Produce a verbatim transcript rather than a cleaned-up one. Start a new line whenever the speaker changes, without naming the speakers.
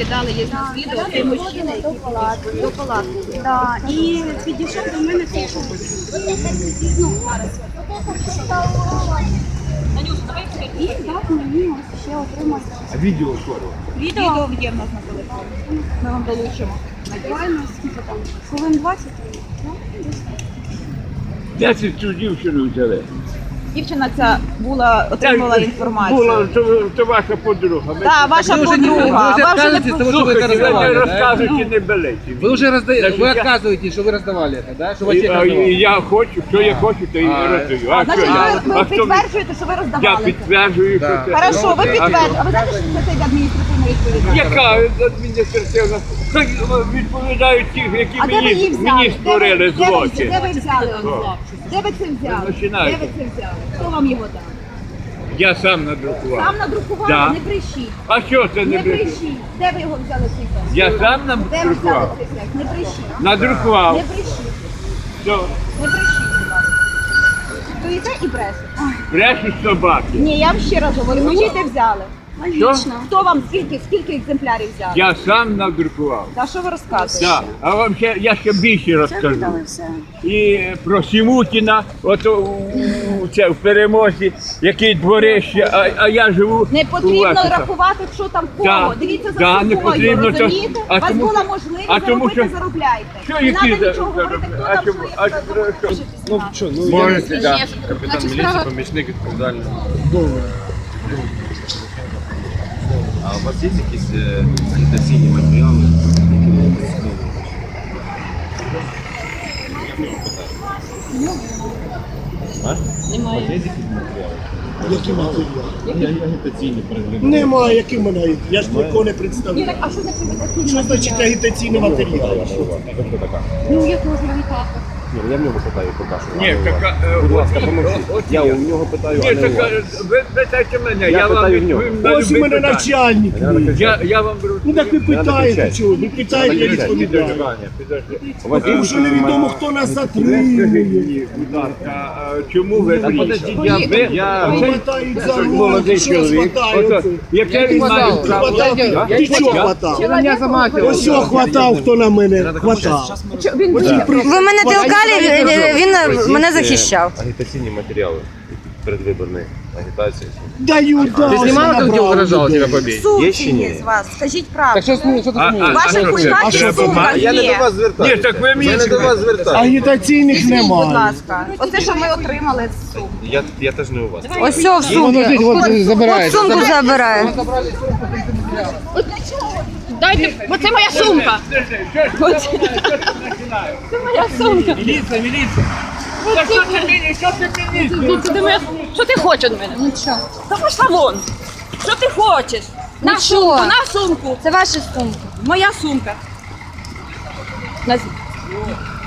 скидали, є на відео, той мужчина, який до палатки.
Да. І підійшов до мене цей чоловік. Ну, зараз. І дав мені ось ще отримати.
А відео скоро?
Відео є в нас на телефоні. Ми вам долучимо.
Буквально скільки там? Хвилин двадцять?
Десять цю дівчину взяли.
Дівчина ця була, отримала інформацію.
Була, то, то ваша подруга. Ми-
Так, ваша
Вы уже не-
подруга.
вы уже
Ви вже не
отказываетесь от того, что вы это
Слухайте, ви не
раздавали, да?
розказуйте, не белеті.
Вы уже разда...
Значит,
вы
я-
отказываетесь, что вы раздавали это, да? Что в
І,
аптеке
а, і
раздавали?
я хочу, що я хочу, то і
А,
роздаю. А що
Значить,
я?
ви,
А
ви
хто-
підтверджуєте, що ви
Я
роздавали.
підтверджую,
Да.
що це.
Хорошо, ви
Ну,
підтверджуєте. А ви знаєте, що це йде адміністративна відповідальність?
Яка адміністративна? Хай відповідають ті, які
А де ви її
мені,
взяли?
мені
Де ви-
створили
де ви-
злочин.
Де ви взяли?
О.
Де ви це взяли? Де
починаєте.
ви це взяли? Хто вам його дав?
Я сам надрукував.
Сам надрукували?
Да.
Не брешіть.
А що це не
Не
брешуть?
брешіть. Де ви його взяли цей текст?
Я сам
Де ви взяли
надрукував.
цей текст? Не брешіть.
Надрукував.
Не брешіть.
Все.
Не брешіть, будь ласка. Стоїте і брешете.
Брешуть собаки.
Ні, я вам ще раз говорю, ви де взяли?
Що?
Хто вам скільки, скільки екземплярів взяли?
Я сам надрукував.
Та що ви розказуєте?
Да. А вам ще, я ще більше розкажу. І про Сімутіна, от у, у- це в перемозі, який дворище, а, а я живу.
Не
у
потрібно
вас.
рахувати, що там кого.
Да.
Дивіться за
Да, не
собою,
потрібно, то-
розумієте?
а
У вас
тому-
була можливість
а тому
заробити,
що-
заробляйте.
Що
Не
які
треба
за-
нічого
за-
говорити, хто
а
там
чому-
що
а
є, хто
що-
там
що?
Ну що, ну
Можете,
я
да.
капітан міліції, помічник відповідальний. А у вас є якісь е, агітаційні матеріали? які ви використовуєте? А? У вас є якісь матеріали?
Які матеріали?
Я- Агітаційні перед виборами.
Немає, які в мене. Я ж нікого не представляю.
А що значить агітаційний
Що значить
матеріал?
агітаційний матеріал?
Ви хто така?
Ну, як можна агітати?
Ні, я в нього питаю, поки що.
Ні, така, е,
Будь ласка,
от-
помовчіть.
от
Я
є.
у нього питаю,
Ні,
а не у
така,
вас.
ви питайте мене,
Я
я, вам
питаю в нього.
відповім на
Ось у
любі
мене
питання.
начальник.
Не надо кричати.
Я, я вам беру.
Ну так ви
Не надо
питаєте,
кричати.
чого? Ви питаєте, я відповідаю.
У вас є
Тому що
якісь
невідомо,
матеріали?
хто нас
Скажіть
затримує.
мені, будь ласка, а чому ви
Та подождіть,
брішете?
я-
Ви-
я-
Оце-
Хватають за
це
руку,
молодий
що
чоловік.
хватає
Ото,
оце?
Яке він має
хватав?
право?
Хватав?
Я-
Ти
я-
чого
я-
хватав?
Я на меня замахивал.
Ось що хватав, хто на мене хватав.
Він
Ось
буде.
при-
Ви мене толкали, він, він мене
Є, е,
захищав.
Агітаційні матеріали передвиборної агітації.
Даю, да.
Ты
ось
снимала, как
набрав
где угрожал
людей.
тебя побить?
Є
Сумки
чи ні?
є з вас, скажіть
Так
правду.
что, с- что ты
А-
смеешься?
а-
Ваша
що це?
хулька
А що
сумка
Я не
є.
до вас звертаюся.
Ні, так ви мені
Я не до вас звертаюся.
Агітаційних
Візьміть, будь
немає.
ласка. Оце, що ми отримали з сумки.
Я, я теж не у вас.
Ось все в сумці.
Подождите, вот
От
забирает.
сумку забирає.
Дайте, бо це моя сумка. Це моя сумка.
Міліція, міліція. Та що ти мені, що ти мені?
Що ти хочеш від мене?
Нічого.
Та пошла вон. Що ти хочеш? На
Нічого.
сумку, на сумку.
Це ваші сумки.
Моя сумка. На-